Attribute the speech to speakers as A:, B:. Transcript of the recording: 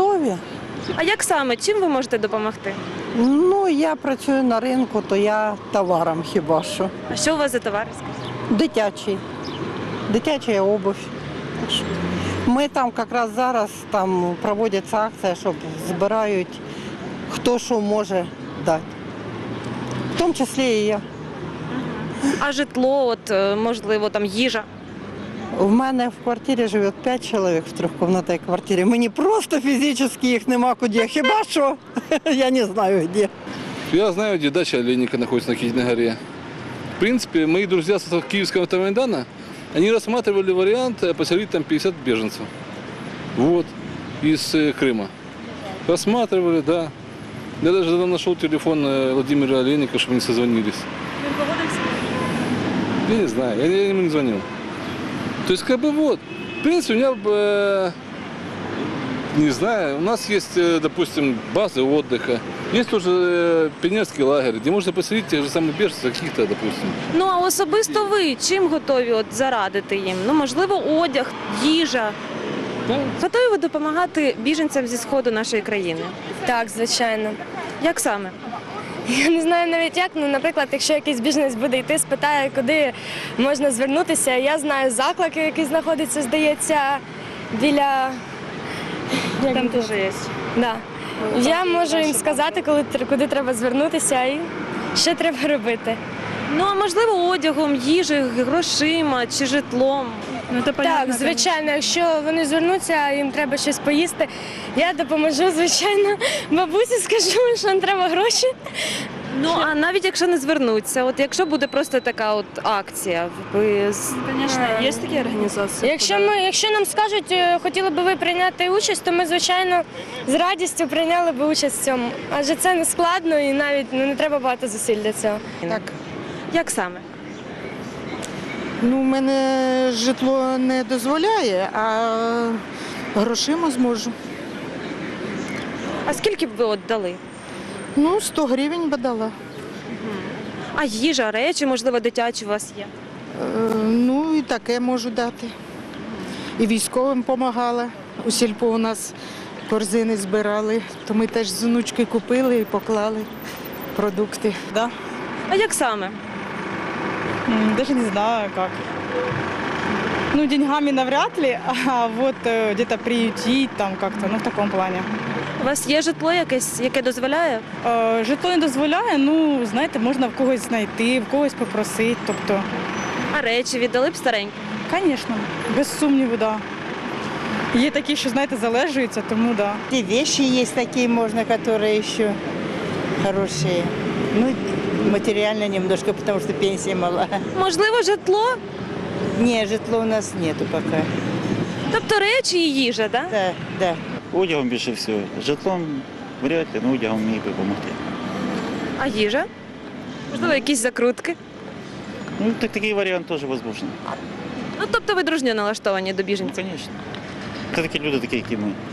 A: готові.
B: А як саме? Чим ви можете допомогти?
A: Ну, я працюю на ринку, то я товаром хіба що.
B: А що у вас за товар?
A: Дитячий. Дитяча обувь. Так що ми там якраз зараз там проводиться акція, щоб збирають хто що може дати. В тому числі і я.
B: А житло, от можливо, там їжа.
A: В мене в квартирі живе 5 чоловік в трьохкімнатній квартирі. Мені просто фізично їх нема куди. Хіба що? Я не знаю де.
C: Я знаю, где дача Олейника находится на Китиной горе. В принципе, мои друзья с Киевского автомайдана, они рассматривали вариант поселить там 50 беженцев. Вот, из Крыма. Рассматривали, да. Я даже нашел телефон Владимира Олейника, чтобы они созвонились.
B: Він погодився?
C: Я не знаю, я ему не звонил. То есть, как бы вот, в принципе, у меня, не знаю, у нас есть, допустим, базы отдыха, есть тоже пионерский лагерь, где можно поселить тех же самых беженцев, каких-то, допустим.
B: Ну, а особисто ви чим готові от зарадити їм? Ну, можливо, одяг, їжа.
C: Да.
B: Готові ви допомагати біженцям зі сходу нашої країни?
D: Так, звичайно.
B: Як саме?
D: Я не знаю навіть як, ну, наприклад, якщо якийсь біженець буде йти, спитає, куди можна звернутися. Я знаю заклик, який знаходиться, здається, біля...
B: Там теж є.
D: Да. Я можу їм сказати, куди треба звернутися і що треба робити.
B: Ну, а можливо, одягом, їжею, грошима чи житлом. Ну, це
D: Так, звичайно, якщо вони звернуться, їм треба щось поїсти, я допоможу, звичайно, бабусі скажу, що їм треба гроші.
B: Ну, а навіть якщо не звернуться, от якщо буде просто така от акція, ви...
E: Звісно, є такі організації.
D: Якщо нам скажуть, хотіли би ви прийняти участь, то ми, звичайно, з радістю прийняли б участь в цьому. Адже це не складно і навіть не треба багато зусиль для цього.
A: Так.
B: Як саме?
F: Ну, в мене житло не дозволяє, а грошима зможу.
B: А скільки б ви от дали?
F: Ну, 100 гривень би дала.
B: А їжа, речі, можливо, дитячі у вас є?
F: Ну, і таке можу дати. І військовим допомагала. У сільпо у нас корзини збирали, то ми теж з онучки купили і поклали продукти.
E: Да.
B: А як саме?
E: Даже не знаю, как. Ну, деньгами навряд ли, а вот где-то приютить там как-то, ну, в таком плане.
B: У вас є житло якесь, яке дозволяє?
E: Житло не дозволяє, ну, знаєте, можна в когось знайти, в когось попросити, тобто,
B: А речі віддали б старенькі?
E: звісно, без сумніву, да. Є такі, що, знаєте, залежуються, тому да.
G: И вещи есть такие можно, которые еще хорошие. Ну, материально немножко, потому что пенсия мала.
B: Можливо, житло?
G: Не, житла у нас нету пока.
B: Тобто речі і їжа, так?
G: Да, да.
H: Одягом більше всього. Житлом вряд ли, але одягом міг би допомогти.
B: А їжа? Можливо, якісь закрутки?
H: Ну, такий варіант теж можливий.
B: Ну, тобто ви дружньо налаштовані до
H: Ну,
B: біженців?
H: звісно. Це такі люди, такі, як і ми.